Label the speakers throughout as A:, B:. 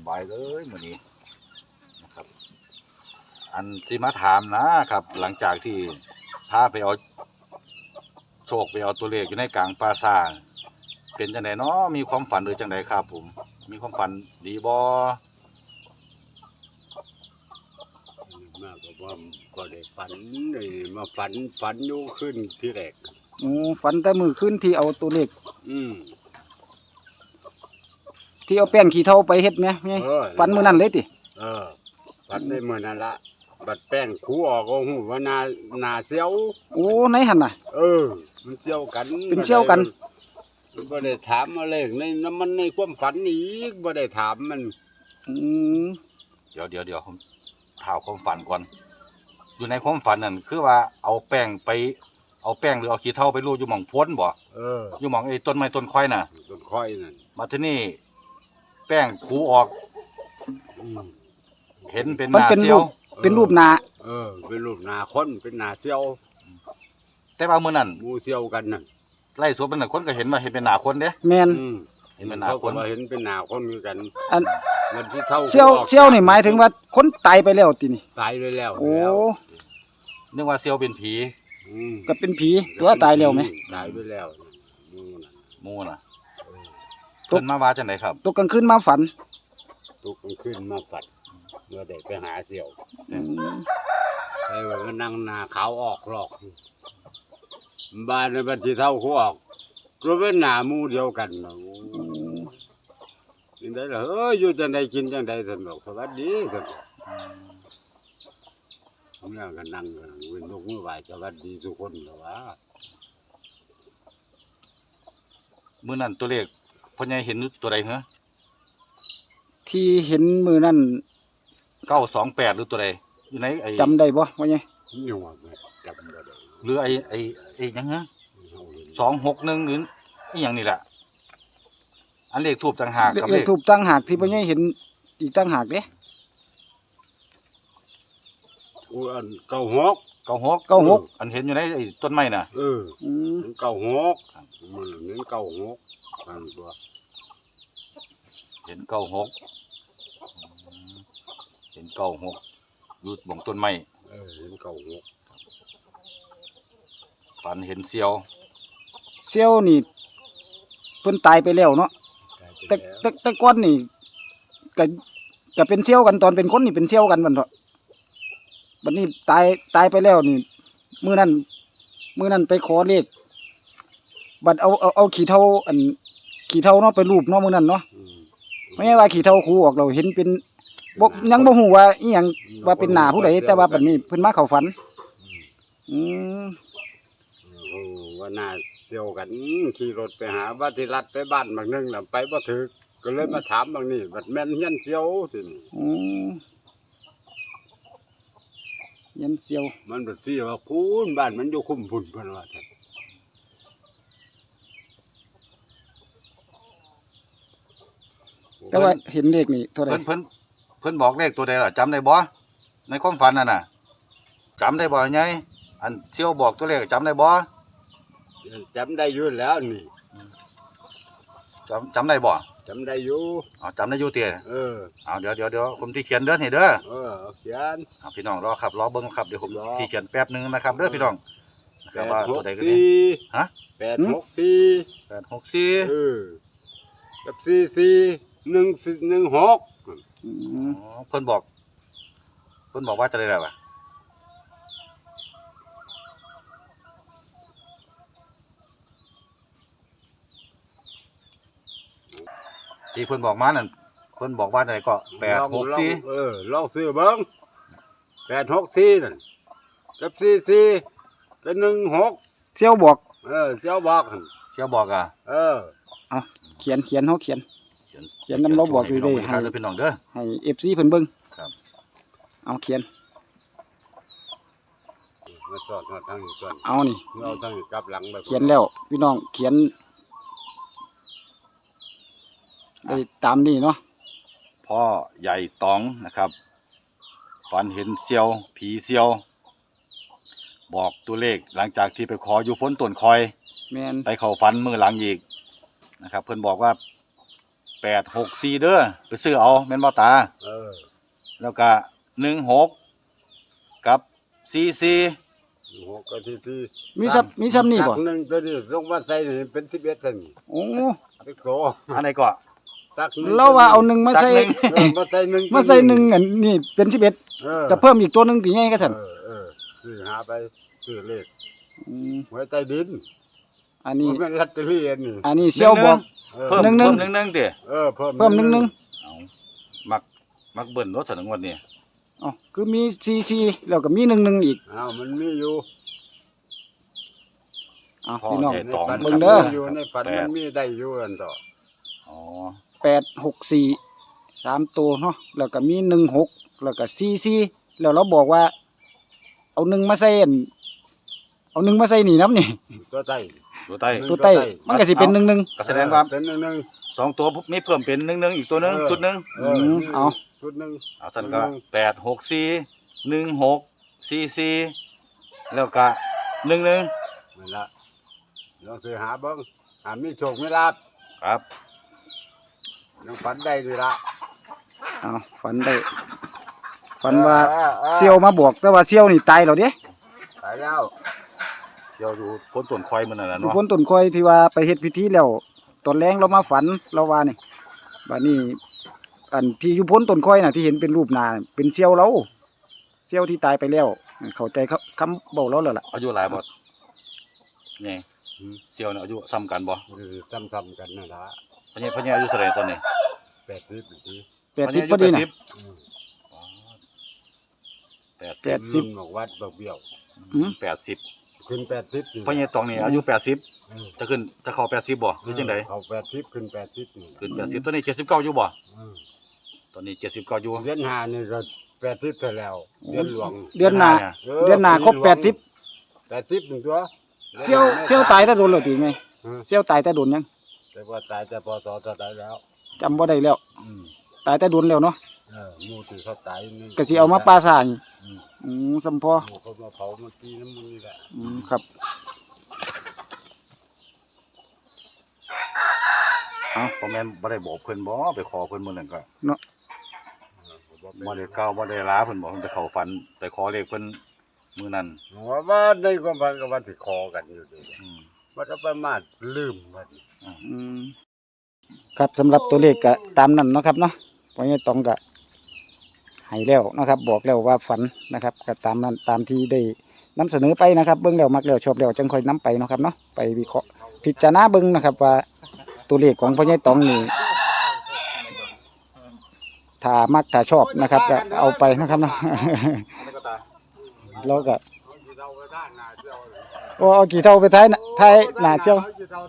A: บายเลยมื้อนี้นะครับอันที่มาถามนะครับหลังจากที่พาไปเอาโชคไปเอาตัวเลขอยู่ในกลางปราสาทเป็นจังไดเนาะมีความฝันหรือจังไดครับผมมีความฝันดีบ่
B: มากก็ว่าก็ได้ฝันเลยมาฝันอยู่ขึ้นที่แรก
C: ฝันแต่มือขึ้นที่เอาตัวเลข
B: อืม
C: ที่เอาแป้งขี้เถ้าไปเฮ็ดไหมฝันมื้อนั้นเลยติ
B: ฝันในมื้อนั้นละบัดแป้งคูออกก็ฮู้ว่านาเสียว
C: ในหั่นน่ะ
B: มันเสียวกัน
C: เป็นเสียวกัน
B: บ่ได้ถามอะไรในมันในความฝันอีกบ่ได้ถามมัน
A: เดี๋ยวผมถามความฝันก่อนอยู่ในความฝันนั่นคือว่าเอาแป้งหรือเอาขี้เถ้าไปรูปอยู่หม่องพ้นบ่อยู่หม่องไอ้ต้นไม้ต้นค่อยน่ะ
B: ต้นค่อยนั่น
A: มาที่นี่แป้งขูออกเห็นเป็นหน้าเสียว
C: เป็นรูปหน้า
B: เป็นรูปหน้าคนเป็นหน้าเสียว
A: แต่ว่ามื้อนั้น
B: หมู่เสียวกันนั่น
A: ไล่สวนเป็นคนก็เห็นว่าเห็นเป็นหน้าคนเด้
C: แม่น
A: เห็นเป็นหน้าคน
B: เห็นเป็นหน้าคนเหมือนกัน
C: มันที่เท่าเสียวนี่หมายถึงว่าคนตายไปแล้วตินี่
B: ตายไปแล้ว
A: นึกว่าเสียวเป็นผี
C: ก็เป็นผีตัวตายแล้วไหม
B: ตายไปแล้ว
A: มูน่ะเพิ่นมาว่าจังไดครับ
C: ตกกลางคืนมาฝัน
B: ตกกลางคืนมาฝันเมื่อได้ไปหาเสี่ยวไปว่านั่งนาขาวออกหรอกบ้านในบ้านที่เท่าเขาออกก็เป็นหน้าหมู่เดียวกันเนาะกินได้เหรออยู่จังใดกินจังใดท่านบอกสวัสดีท่านผมนั่งกันนั่งเว้นนกมือไหวสวัสดีทุกคนเหรอวะ
A: มื้อนั้นตัวเลขพ่อใหญ่เห็นตัวใดเหรอ
C: ที่เห็นมือนั่น
A: 928หรือตัวใดอยู่ในไอ้
C: จำได้บ่พ่อใหญ่
B: ยังว่าจำบ่ได้
A: หรือไอ้หยังฮะ261หรืออีหยังนี่แหละอันเลขทูปต่างหากกับ
C: เลขทูปต่างหากที่พ่อใหญ่เห็นอีกต่างหากเด้
B: อัน96
A: อันเห็นอยู่ในไอ้ต้นไม้น่ะ
B: 96มันเห็น96อันตัว
A: เห็น96อยู่บนต้นไม้
B: เห็น96
A: ฝันเห็นเสียว
C: นี่เพิ่นตายไปแล้วเนาะแต่ก่อนนี่ก็เป็นเสียวกันตอนเป็นคนนี่เป็นเสียวกันบัดเถาะบัดนี้ตายไปแล้วนี่มื้อนั้นไปขอเลขบัดเอาขี้เถ้าเนาะไปรูปเนาะมื้อนั้นเนาะไม่ใช่ว่าขี้เถ้าคูออกเราเห็นเป็นยังบ่ฮู้ว่าอีหยังว่าเป็นหน้าผู้ใดแต่ว่าบัดนี้เพิ่นมาเข้าฝัน
B: ว่าหน้าเดียวกันขี่รถไปหาบ้านที่รัดไปบ้านบางนึงน่ะไปบ่ถึกก็เลยมาถามบางนี่บัดแม่นเฮียนเสียวสิ
C: เฮียนเสียว
B: มันบัดสิว่าคุณบ้านมันอยู่คุ้มพุ่นเพิ่นว่าซั่น
C: แต่ว่าเห็นเลขนี่เท่าใด
A: เพิ่นบอกเลขตัวใดล่ะจำได้บ่ในความฝันนั่นน่ะจำได้บ่ไงอันเสียวบอกตัวเลขจำได้บ่
B: จำได้อยู่แล้วนี่
A: จำได้บ่
B: จำได้อยู่
A: จำได้อยู่เตี้ยเดี๋ยวผมที่เขียนเด้อนี่เด้อ
B: เขียน
A: พี่น้องรอครับรอเบิ่งครับเดี๋ยวผมที่เขียนแป๊บนึงนะครับเด้อพี่น้อง
B: นะครับว่าตัวใดกันนี่ฮะ864กับ4416
A: เพิ่นบอกว่าจะได้แล้วที่เพิ่นบอกมานั่นเพิ่นบอกว่าอะไรก็864
B: ลองซื้อเบิ่ง864นั่นกับ44กับ16
C: เสี่ยวบอก
B: เสี่ยวบอก
A: อ่ะ
C: เอาเขียนเฮาเขียนนำเราบอกอยู่ได้
A: ให้พี่น้องเด้อ
C: ให้ FC เพิ่นเบิ่ง
A: ครับ
C: เอาเขียน
B: มาสอดมาทางนี้ก่อน
C: เอานี่
B: เราทางนี้กลับหลังแบบ
C: เขียนแล้วพี่น้องเขียนได้ตามนี้เนาะ
A: พ่อใหญ่ตองนะครับฝันเห็นเสียวผีเสียวบอกตัวเลขหลังจากที่ไปขออยู่พ้นต้นคอยไปเข้าฝันมือหลังอีกนะครับเพิ่นบอกว่า 864เด้อไปซื้อเอาแม่นบ่ตา
B: เออ
A: แล้วก็16กับ44
B: หกก็ที่
C: มีซ้ำนี่บ่
B: ตักหนึ่งตัวนี้ลงมาใส่นี่เป็น11ตัน
C: โอ้
B: ไปโก
A: อันไหนก็
B: ตักหนึ่ง
C: เราว่าเอาหนึ่งมาใส่
A: สักหนึ่ง
B: เออมาใส่หนึ่ง
C: มาใส่หนึ่งอันนี่เป็น11
B: เออ
C: ก็เพิ่มอีกตัวหนึงกี่ไงก็ซั่น
B: เออซื้อหาไปซื้อเลข
C: ม
B: ไว้ใต้ดิน
C: อันนี้
B: มันเป็นลอตเตอรี่อันนี้
C: อันนี้เสี่ยวบอก
A: เพิ่ม
C: หนึ่ง
A: เพิ่มหนึ่งติ
B: เออเพิ่ม
C: เพิ่มหนึ่ง
A: เอามักเบิ่นรถสนงวดนี่
C: อ๋อคือมี44แล้วก็มี11อีก
B: อ้าวมันมีอยู่
C: อ้าวพี่น้อง
A: ใหญ่ตอง
B: ในฝัน
C: เบิ่งเด้อ
B: อยู่ในฝันมันมีได้อยู่อันต่อ
A: อ๋อ
C: 864 3ตัวเนาะแล้วก็มี16แล้วก็44แล้วเราบอกว่า เอา1มาใส่อันเอา1มาใส่นี่นํนี่
B: ตัวใต้
A: ตัวใต้
C: ตัวใต้มันก็สิเป็น11
A: ก็แสดงว่า
B: เป็นหนึ่ง
A: สองตัวมีเพิ่มเป็น11อีกตัวหนึงชุดหนึง
C: เอา
B: ชุดหนึ่ง
A: เอาซั่นก็864 1644แล้วก็11
B: นั่นละลองซื้อหาเบิ้งหามีโชคไม่ลาบ
A: ครับ
B: ลองฝันได้ดีละ
C: เอาฝันได้ฝันว่าเซียวมาบอกแต่ว่าเซียวนี่ตายแล้วเด้
B: ตายแล้ว
A: เที่ยวอยู่พ้นต้นคอยมันนั่นน่ะ
C: ทุก
A: เนาะ
C: คนต้นคอยที่ว่าไปเฮ็ดพิธีแล้วตอนแรงเรามาฝันเราว่านี่บัดนี้อันที่อยู่พ้นต้นคอยน่ะที่เห็นเป็นรูปหน้าเป็นเซียวเราเซียวที่ตายไปแล้วเข้าใจคำเว้าเราแล้วล่ะ
A: อายุหลายบ่นี่เสี่ยวเนี่ยอายุซ้ำกันบ่
B: ซ้ำๆกันนั่นละ
A: พญาอายุเท่าไหร่ตอนนี้
B: 80นาที
C: 80พอดีน่ะ
A: อ๋อ
C: แปด
A: 80
C: สิบ
B: บอกวัดบอกเบี้ยว
C: อืม
A: 80
B: ขึ้น80นี่
A: พญาตองนี่อายุ80
B: เออ
A: จะเข้า80บ่หรือจังได
B: เขา80ขึ้น80นี่
A: ขึ้น80ตัวนี้79อยู่บ่
B: เออ
A: ตอนนี้79อยู่
B: เดือนห้านี่ก็80ซะแล้วเดือนหลวง
C: เดือนหน้า
A: เนี่ย
C: เดือนหน้าครบ80
B: 80นึงตัว
C: เซียวตายแต่โดนแล้วติไง
B: เออ
C: เซียวตายแต่โดนยัง
B: แต่ว่าตายแต่พอสอตายแล้ว
C: จำบ่ได้แล้ว
B: อืม
C: ตายแต่โดนแล้วเนาะ
B: หมู่ที่เขาตายนี่
C: ก็สิเอามาปลาสร้าง
B: อืม
C: สำพอ
B: หมู่เขามาเผามาตีน้ำมันนี่แหละ
C: ครับเอา
A: พ่อแม่นบ่ได้บอกเพิ่นบ่ไปขอเพิ่นมื้อนั้นก็
C: เนาะ
A: บ่ได้กล่าวบ่ได้ลาเพิ่นบอกเพิ่นไปเข้าฝันไปขอเลขเพิ่นมื้อนั้น
B: ว่าในความพันกับวันที่คอกันอยู่ดี
A: อืม
B: มันจะประมาทลืมมัน
C: ครับสำหรับตัวเลขก็ตามนั้นเนาะครับเนาะเพราะงี้ต้องก็ให้แล้วนะครับ บอกแล้วว่าฝันนะครับก็ตามนั้นตามที่ได้นำเสนอไปนะครับ เบิ่งแล้วมักแล้วชอบแล้วจังค่อยนํไปเนาะครับเนาะไปวิเคราะห์พิจารณาเบิ่งนะครับ ว่าตัวเลขของพ่อใหญ่ตองนี่ถ้ามักถ้าชอบนะครับก็เอาไปนะครับเนาะ แล้วก็โอ้เอากี่เท่าไปท้ายหน้าเชียว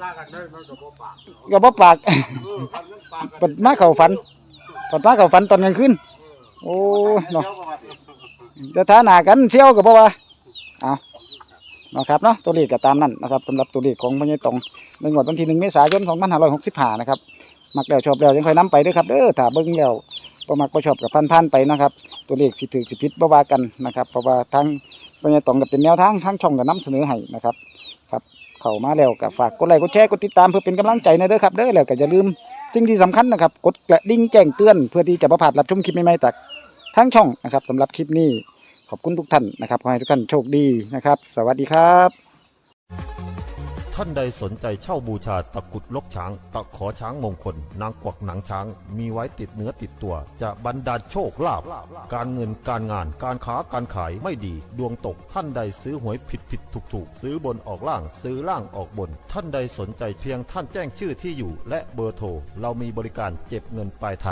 C: ก็บ่ปากปัดมาเข้าฝันปัดมาเข้าฝันตอนกลางคืนโอ้เนาะจะท้าหน้ากันเชียวก็บ่ว่าเอาเนาะครับเนาะตัวเลขก็ตามนั้นนะครับสำหรับตัวเลขของพ่อใหญ่ตองในงวดวันที่1 เมษายน 2565นะครับมักแล้วชอบแล้วยังค่อยนํไปเด้อครับเด้อถ้าเบิ่งแล้วบ่มักบ่ชอบก็ผ่านๆไปนะครับตัวเลขสิถูกสิผิดบ่ว่ากันนะครับเพราะว่าทั้งพ่อใหญ่ตองก็เป็นแนวทางทั้งช่องก็นำเสนอให้นะครับครับเข้ามาแล้วก็ฝากกดไลค์กดแชร์กดติดตามเพื่อเป็นกำลังใจนะเด้อครับเด้อแล้วก็อย่าลืมสิ่งที่สำคัญนะครับกดกระดิ่งแจ้งเตือนเพื่อที่จะบ่พลาดรับชมคลิปใหม่ๆจากทั้งช่องนะครับสำหรับคลิปนี้ขอบคุณทุกท่านนะครับขอให้ทุกท่านโชคดีนะครับสวัสดีครับ
D: ท่านใดสนใจเช่าบูชาตะกรุดลกช้าง ตะขอช้างมงคล นางกวักหนังช้าง มีไว้ติดเนื้อติดตัว จะบรรดาลโชคลาภการเงินการงานการค้าการขายไม่ดี ดวงตกท่านใดซื้อหวยผิดถูกซื้อบนออกล่างซื้อล่างออกบน ท่านใดสนใจเพียงท่านแจ้งชื่อที่อยู่ และเบอร์โทรเรามีบริการเก็บเงินปลายทาง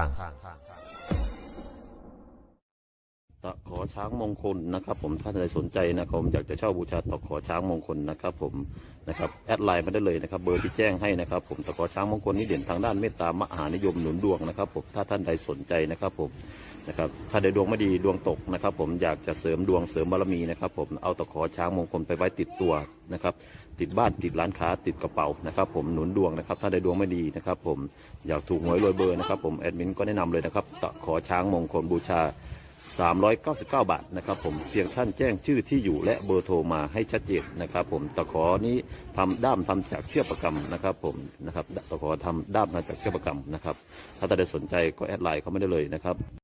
D: ตะขอช้างมงคลนะครับผมถ้าท่านใดสนใจนะครับผมอยากจะเช่าบูชาตะขอช้างมงคลนะครับผมนะครับแอดไลน์มาได้เลยนะครับเบอร์ที่แจ้งให้นะครับผมตะขอช้างมงคลนี่เด่นทางด้านเมตตามหานิยมหนุนดวงนะครับผมถ้าท่านใดสนใจนะครับผมนะครับถ้าใดดวงไม่ดีดวงตกนะครับผมอยากจะเสริมดวงเสริมบารมีนะครับผมเอาตะขอช้างมงคลไปไว้ติดตัวนะครับติดบ้านติดร้านค้าติดกระเป๋านะครับผมหนุนดวงนะครับถ้าใดดวงไม่ดีนะครับผมอยากถูกหวยรวยเบอร์นะครับผมแอดมินก็แนะนำเลยนะครับตะขอช้างมงคลบูชา 399 บาทนะครับผมเพียงท่านแจ้งชื่อที่อยู่และเบอร์โทรมาให้ชัดเจนนะครับผมตะขอนี้ทำด้ามทำจากเชือกประกำนะครับผมนะครับตะขอทำด้ามมาจากเชือกประกำนะครับถ้าท่านใดสนใจก็แอดไลน์เข้ามาได้เลยนะครับ